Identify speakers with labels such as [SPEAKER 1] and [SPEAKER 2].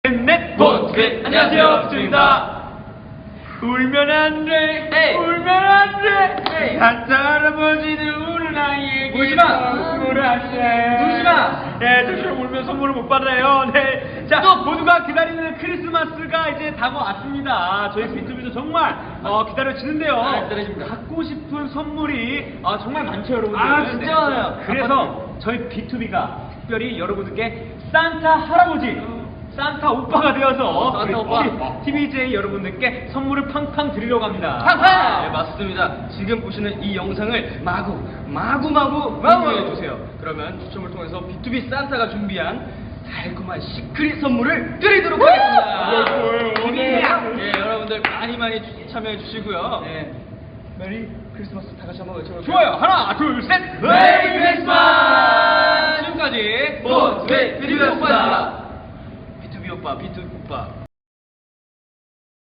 [SPEAKER 1] 넷 보트 안녕하세요 비투비입니다. 울면 안돼
[SPEAKER 2] 에이.
[SPEAKER 1] 울면 안돼
[SPEAKER 2] 에이.
[SPEAKER 1] 산타 할아버지는 우는 아이에게
[SPEAKER 2] 울지마.
[SPEAKER 1] 선물을 하세
[SPEAKER 2] 울지마.
[SPEAKER 1] 네 저처럼 울면 선물을 못 받아요. 네, 자 모두가 기다리는 크리스마스가 이제 다가왔습니다. 저희 비투비도 정말 기다려지는데요.
[SPEAKER 2] 아, 기다려집니다.
[SPEAKER 1] 갖고 싶은 선물이 정말 많죠 여러분들.
[SPEAKER 2] 아, 진짜 많아요.
[SPEAKER 1] 그래서 저희 비투비가 특별히 여러분들께 산타 할아버지 산타 오빠가 되어서
[SPEAKER 2] 산타
[SPEAKER 1] 우리
[SPEAKER 2] 오빠.
[SPEAKER 1] TVJ 여러분들께 선물을 팡팡 드리려고 합니다.
[SPEAKER 2] 팡팡! 네, 맞습니다. 지금 보시는 이 영상을 마구 공유해주세요. 그러면 추첨을 통해서 B2B 산타가 준비한 달콤한 시크릿 선물을 드리도록 하겠습니다.
[SPEAKER 1] 좋아요.
[SPEAKER 2] 네, 여러분들 많이 참여해 주시고요.
[SPEAKER 1] 네.
[SPEAKER 2] 메리 크리스마스 다 같이 한번 외쳐볼까요?
[SPEAKER 1] 좋아요. 하나, 둘, 셋.
[SPEAKER 2] 메리 크리스마스! 지금까지
[SPEAKER 1] 보트
[SPEAKER 2] B2B 오빠였습니다. B2B 오빠, B2B 오빠.